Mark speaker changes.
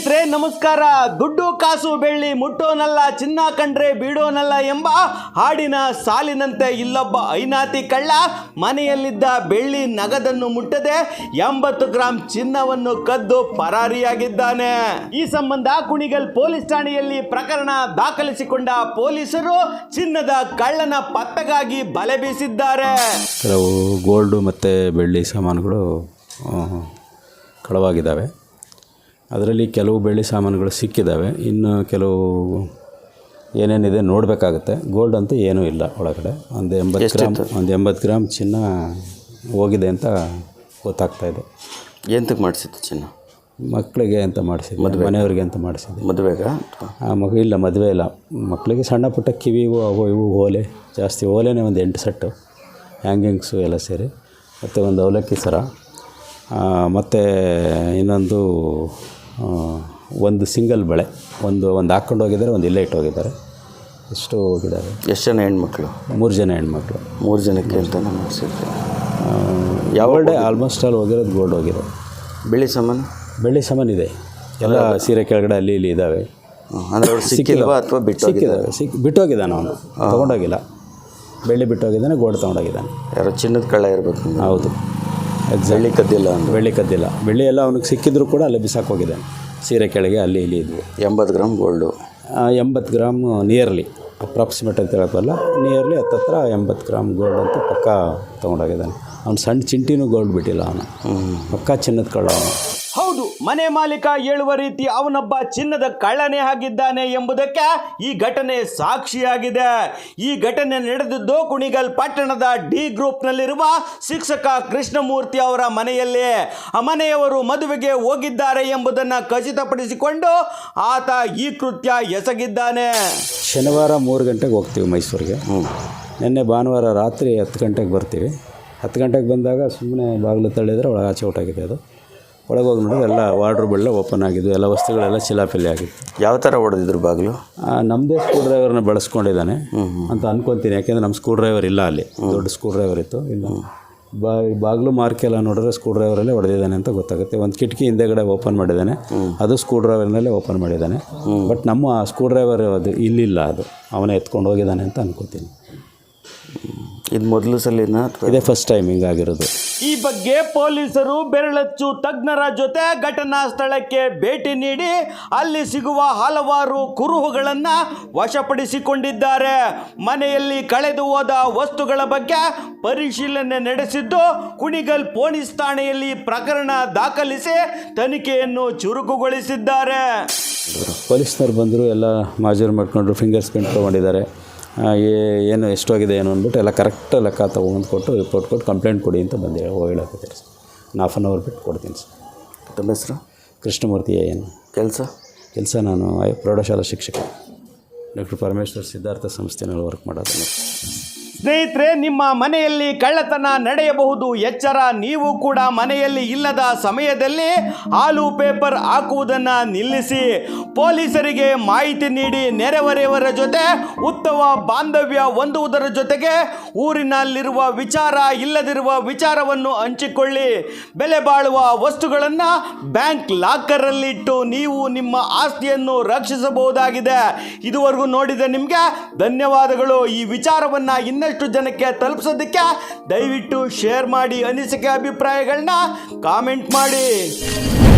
Speaker 1: ಸ್ನೇಹಿತರೆ ನಮಸ್ಕಾರ. ದುಡ್ಡು ಕಾಸು ಬೆಳ್ಳಿ ಮುಟ್ಟೋನಲ್ಲ, ಚಿನ್ನ ಕಂಡ್ರೆ ಬೀಡೋನಲ್ಲ ಎಂಬ ಹಾಡಿನ ಸಾಲಿನಂತೆ ಇಲ್ಲೊಬ್ಬ ಐನಾತಿ ಕಳ್ಳ ಮನೆಯಲ್ಲಿದ್ದ ಬೆಳ್ಳಿ ನಗದನ್ನು ಮುಟ್ಟದೆ 80 ಗ್ರಾಂ ಚಿನ್ನವನ್ನು ಕದ್ದು ಪರಾರಿಯಾಗಿದ್ದಾನೆ. ಈ ಸಂಬಂಧ ಕುಣಿಗಲ್ ಪೊಲೀಸ್ ಠಾಣೆಯಲ್ಲಿ ಪ್ರಕರಣ ದಾಖಲಿಸಿಕೊಂಡ ಪೊಲೀಸರು ಚಿನ್ನದ ಕಳ್ಳನ ಪತ್ತೆಗಾಗಿ ಬಲೆ ಬೀಸಿದ್ದಾರೆ.
Speaker 2: ಕೆಲವು ಗೋಲ್ಡು ಮತ್ತು ಬೆಳ್ಳಿ ಸಾಮಾನುಗಳು ಕಳವಾಗಿದ್ದಾವೆ. ಅದರಲ್ಲಿ ಕೆಲವು ಬೆಳ್ಳಿ ಸಾಮಾನುಗಳು ಸಿಕ್ಕಿದ್ದಾವೆ, ಇನ್ನು ಕೆಲವು ಏನೇನಿದೆ ನೋಡಬೇಕಾಗುತ್ತೆ. ಗೋಲ್ಡ್ ಅಂತೂ ಏನೂ ಇಲ್ಲ ಒಳಗಡೆ. ಒಂದು 80 ಗ್ರಾಮ್ ಚಿನ್ನ ಹೋಗಿದೆ ಅಂತ ಗೊತ್ತಾಗ್ತಾ ಇದೆ.
Speaker 3: ಎಂತಕ್ಕೆ ಮಾಡಿಸಿದ್ದು ಚಿನ್ನ?
Speaker 2: ಮಕ್ಕಳಿಗೆ ಅಂತ ಮಾಡಿಸಿದ್ದು, ಮನೆಯವ್ರಿಗೆ ಅಂತ ಮಾಡಿಸಿದ್ದು.
Speaker 3: ಮದುವೆಗ?
Speaker 2: ಇಲ್ಲ, ಮದುವೆ ಇಲ್ಲ. ಮಕ್ಕಳಿಗೆ ಸಣ್ಣ ಪುಟ್ಟ ಕಿವಿವು ಅವು ಇವು ಓಲೆ, ಜಾಸ್ತಿ ಓಲೆನೇ ಒಂದು 8 ಸೆಟ್ಟು, ಹ್ಯಾಂಗಿಂಗ್ಸು ಎಲ್ಲ ಸೇರಿ, ಮತ್ತು ಒಂದು ಅವಲಕ್ಕಿ ಸರ, ಮತ್ತು ಇನ್ನೊಂದು ಒಂದು ಸಿಂಗಲ್ ಬಳೆ, ಒಂದು ಹಾಕ್ಕೊಂಡು ಹೋಗಿದ್ದಾರೆ, ಒಂದು ಇಲ್ಲೇ ಇಟ್ಟು ಹೋಗಿದ್ದಾರೆ. ಎಷ್ಟು ಹೋಗಿದ್ದಾರೆ?
Speaker 3: ಎಷ್ಟು ಜನ ಹೆಣ್ಮಕ್ಳು?
Speaker 2: 3 ಜನ ಹೆಣ್ಮಕ್ಳು.
Speaker 3: 3 ಜನಕ್ಕೆ ಅಂತ ಮಾಡಿಸಿದ್ದೆ.
Speaker 2: ಗೋಲ್ಡೇ ಆಲ್ಮೋಸ್ಟ್ ಆಲ್ ಹೋಗಿರೋದು ಗೋಲ್ಡ್ ಹೋಗಿದೆ.
Speaker 3: ಬೆಳ್ಳಿ ಸಾಮಾನು
Speaker 2: ಇದೆ, ಎಲ್ಲ ಸೀರೆ ಕೆಳಗಡೆ ಅಲ್ಲಿ ಇಲ್ಲಿ ಇದ್ದಾವೆ.
Speaker 3: ಅಂದರೆ ಅವ್ರು ಸಿಕ್ಕಿಲ್ವಾ ಅಥವಾ
Speaker 2: ಸಿಕ್ಕಿದ್ದಾವೆ? ಬಿಟ್ಟೋಗಿದ್ದಾನೆ ಅವನು, ತೊಗೊಂಡೋಗಿಲ್ಲ. ಬೆಳ್ಳಿ ಬಿಟ್ಟೋಗಿದ್ದಾನೆ, ಗೋಲ್ಡ್ ತೊಗೊಂಡೋಗಿದ್ದಾನೆ.
Speaker 3: ಯಾರೋ ಚಿನ್ನದ ಕಳ್ಳ ಇರಬೇಕು.
Speaker 2: ಹೌದು,
Speaker 3: ಬೆಳ್ಳಿ ಕದ್ದಿಲ್ಲ.
Speaker 2: ಬೆಳ್ಳಿ ಎಲ್ಲ ಅವನಿಗೆ ಸಿಕ್ಕಿದ್ರು ಕೂಡ ಅಲ್ಲೇ ಬಿಸಾಕೋಗಿದ್ದಾನೆ, ಸೀರೆ ಕೆಳಗೆ ಅಲ್ಲಿ ಇಲ್ಲಿ ಇದ್ವು.
Speaker 3: 80 gram gold.
Speaker 2: 80 gram nearly, approximate ಅಂತ ಹೇಳೋಕ್ಕಲ್ಲ, ನಿಯರ್ಲಿ 80 ಗ್ರಾಮ್ ಗೋಲ್ಡ್ ಅಂತ ಪಕ್ಕ ತೊಗೊಂಡೋಗಿದ್ದಾನೆ. ಅವ್ನು ಸಣ್ಣ ಚಿಂಟಿನೂ ಗೋಲ್ಡ್ ಬಿಟ್ಟಿಲ್ಲ, ಅವನು ಪಕ್ಕ ಚಿನ್ನದ ಕಳ್ಳ ಅವನು.
Speaker 1: ಹೌದು, ಮನೆ ಮಾಲೀಕ ಹೇಳುವ ರೀತಿ ಅವನೊಬ್ಬ ಚಿನ್ನದ ಕಳ್ಳನೇ ಆಗಿದ್ದಾನೆ ಎಂಬುದಕ್ಕೆ ಈ ಘಟನೆ ಸಾಕ್ಷಿಯಾಗಿದೆ. ಈ ಘಟನೆ ನಡೆದಿದ್ದು ಕುಣಿಗಲ್ ಪಟ್ಟಣದ ಡಿ ಗ್ರೂಪ್ನಲ್ಲಿರುವ ಶಿಕ್ಷಕ ಕೃಷ್ಣಮೂರ್ತಿ ಅವರ ಮನೆಯಲ್ಲಿ. ಆ ಮನೆಯವರು ಮದುವೆಗೆ ಹೋಗಿದ್ದಾರೆ ಎಂಬುದನ್ನು ಖಚಿತಪಡಿಸಿಕೊಂಡು ಆತ ಈ ಕೃತ್ಯ ಎಸಗಿದ್ದಾನೆ.
Speaker 2: ಶನಿವಾರ 3 ಗಂಟೆಗೆ ಹೋಗ್ತೀವಿ ಮೈಸೂರಿಗೆ. ನಿನ್ನೆ ಭಾನುವಾರ ರಾತ್ರಿ 10 ಗಂಟೆಗೆ ಬರ್ತೀವಿ. 10 ಗಂಟೆಗೆ ಬಂದಾಗ ಸುಮ್ಮನೆ ಬಾಗಿಲು ತಳ್ಳಿದರೆ ಒಳಗೆ ಆಚೆ ಹೊರಟಾಗಿದೆ. ಅದು ಒಳಗೆ ಹೋಗಿ ನೋಡಿದ್ರೆ ಎಲ್ಲ ವಾರ್ಡ್ರೋಬೆಲ್ಲ ಓಪನ್ ಆಗಿದ್ದು, ಎಲ್ಲ ವಸ್ತುಗಳೆಲ್ಲ ಚಿಲಾಪಿಲಿ ಆಗಿತ್ತು.
Speaker 3: ಯಾವ ಥರ ಹೊಡೆದಿದ್ರು ಬಾಗಿಲು?
Speaker 2: ನಮ್ಮದೇ ಸ್ಕ್ರೂ ಡ್ರೈವರ್ನ ಬಳಸ್ಕೊಂಡಿದ್ದಾನೆ ಅಂತ ಅನ್ಕೊತೀನಿ, ಯಾಕೆಂದರೆ ನಮ್ಮ ಸ್ಕ್ರೂ ಡ್ರೈವರ್ ಇಲ್ಲ, ಅಲ್ಲಿ ದೊಡ್ಡ ಸ್ಕ್ರೂ ಡ್ರೈವರ್ ಇತ್ತು. ಇಲ್ಲ, ಬಾಗಿಲು ಮಾರ್ಕೆಲ್ಲ ನೋಡಿದ್ರೆ ಸ್ಕ್ರೂ ಡ್ರೈವರಲ್ಲೇ ಹೊಡೆದಿದ್ದಾನೆ ಅಂತ ಗೊತ್ತಾಗುತ್ತೆ. ಒಂದು ಕಿಟಕಿ ಹಿಂದೆಗಡೆ ಓಪನ್ ಮಾಡಿದ್ದಾನೆ, ಅದು ಸ್ಕ್ರೂ ಡ್ರೈವರ್ನಲ್ಲೇ ಓಪನ್ ಮಾಡಿದ್ದಾನೆ. ಬಟ್ ನಮ್ಮ ಸ್ಕ್ರೂ ಡ್ರೈವರ್ ಅದು ಇಲ್ಲಿಲ್ಲ, ಅದು ಅವನೇ ಎತ್ಕೊಂಡು ಹೋಗಿದ್ದಾನೆ ಅಂತ ಅನ್ಕೋತೀನಿ.
Speaker 3: ಇದು ಮೊದಲು ಸಲಿನ?
Speaker 2: ಇದೇ ಫಸ್ಟ್ ಟೈಮ್ ಹಿಂಗಾಗಿರೋದು.
Speaker 1: ಈ ಬಗ್ಗೆ ಪೊಲೀಸರು ಬೆರಳಚ್ಚು ತಜ್ಞರ ಜೊತೆ ಘಟನಾ ಸ್ಥಳಕ್ಕೆ ಭೇಟಿ ನೀಡಿ ಅಲ್ಲಿ ಸಿಗುವ ಹಲವಾರು ಕುರುಹುಗಳನ್ನು ವಶಪಡಿಸಿಕೊಂಡಿದ್ದಾರೆ. ಮನೆಯಲ್ಲಿ ಕಳೆದು ಹೋದ ವಸ್ತುಗಳ ಬಗ್ಗೆ ಪರಿಶೀಲನೆ ನಡೆಸಿದ್ದು ಕುಣಿಗಲ್ ಪೊಲೀಸ್ ಠಾಣೆಯಲ್ಲಿ ಪ್ರಕರಣ ದಾಖಲಿಸಿ ತನಿಖೆಯನ್ನು ಚುರುಕುಗೊಳಿಸಿದ್ದಾರೆ.
Speaker 2: ಪೊಲೀಸ್ನವ್ರು ಬಂದರು, ಎಲ್ಲ ಮಾಜೂರು ಮಾಡ್ಕೊಂಡ್ರು, ಫಿಂಗರ್ಸ್ ಪ್ರಿಂಟ್ ತೊಗೊಂಡಿದ್ದಾರೆ. ಏನು ಎಷ್ಟೋಗಿದೆ ಏನು ಅಂದ್ಬಿಟ್ಟು ಎಲ್ಲ ಕರೆಕ್ಟ್ ಲೆಕ್ಕ ತೊಗೊಂಡು ಕೊಟ್ಟು ರಿಪೋರ್ಟ್ ಕೊಟ್ಟು ಕಂಪ್ಲೇಂಟ್ ಕೊಡಿ ಅಂತ ಬಂದು ಹೇಳಕತ್ತೀರಿ ಸರ್. 1 ಹಾಫ್ ಬಿಟ್ಟು ಕೊಡ್ತೀನಿ ಸರ್.
Speaker 3: ತಮ್ಮ ಹೆಸರು?
Speaker 2: ಕೃಷ್ಣಮೂರ್ತಿ. ಏನು ಕೆಲಸ? ನಾನು ಪ್ರೌಢಶಾಲಾ ಶಿಕ್ಷಕ, ಡಾಕ್ಟರ್ ಪರಮೇಶ್ವರ್ ಸಿದ್ಧಾರ್ಥ ಸಂಸ್ಥೆನಲ್ಲಿ ವರ್ಕ್ ಮಾಡೋದು.
Speaker 1: ಸ್ನೇಹಿತರೆ, ನಿಮ್ಮ ಮನೆಯಲ್ಲಿ ಕಳ್ಳತನ ನಡೆಯಬಹುದು, ಎಚ್ಚರ. ನೀವು ಕೂಡ ಮನೆಯಲ್ಲಿ ಇಲ್ಲದ ಸಮಯದಲ್ಲಿ ಹಾಲು ಪೇಪರ್ ಹಾಕುವುದನ್ನು ನಿಲ್ಲಿಸಿ. ಪೊಲೀಸರಿಗೆ ಮಾಹಿತಿ ನೀಡಿ ನೆರೆಹೊರೆಯವರ ಜೊತೆ ಉತ್ತಮ ಬಾಂಧವ್ಯ ಹೊಂದುವುದರ ಜೊತೆಗೆ ಊರಿನಲ್ಲಿರುವ ವಿಚಾರ ಇಲ್ಲದಿರುವ ವಿಚಾರವನ್ನು ಹಂಚಿಕೊಳ್ಳಿ. ಬೆಲೆ ಬಾಳುವ ವಸ್ತುಗಳನ್ನು ಬ್ಯಾಂಕ್ ಲಾಕರಲ್ಲಿಟ್ಟು ನೀವು ನಿಮ್ಮ ಆಸ್ತಿಯನ್ನು ರಕ್ಷಿಸಬಹುದಾಗಿದೆ. ಇದುವರೆಗೂ ನೋಡಿದ ನಿಮಗೆ ಧನ್ಯವಾದಗಳು. ಈ ವಿಚಾರವನ್ನು ಇನ್ನಷ್ಟು ಜನಕ್ಕೆ ತಲುಪಿಸೋದಕ್ಕೆ ದಯವಿಟ್ಟು ಶೇರ್ ಮಾಡಿ, ಅನಿಸಿಕೆ ಅಭಿಪ್ರಾಯಗಳನ್ನ ಕಾಮೆಂಟ್ ಮಾಡಿ.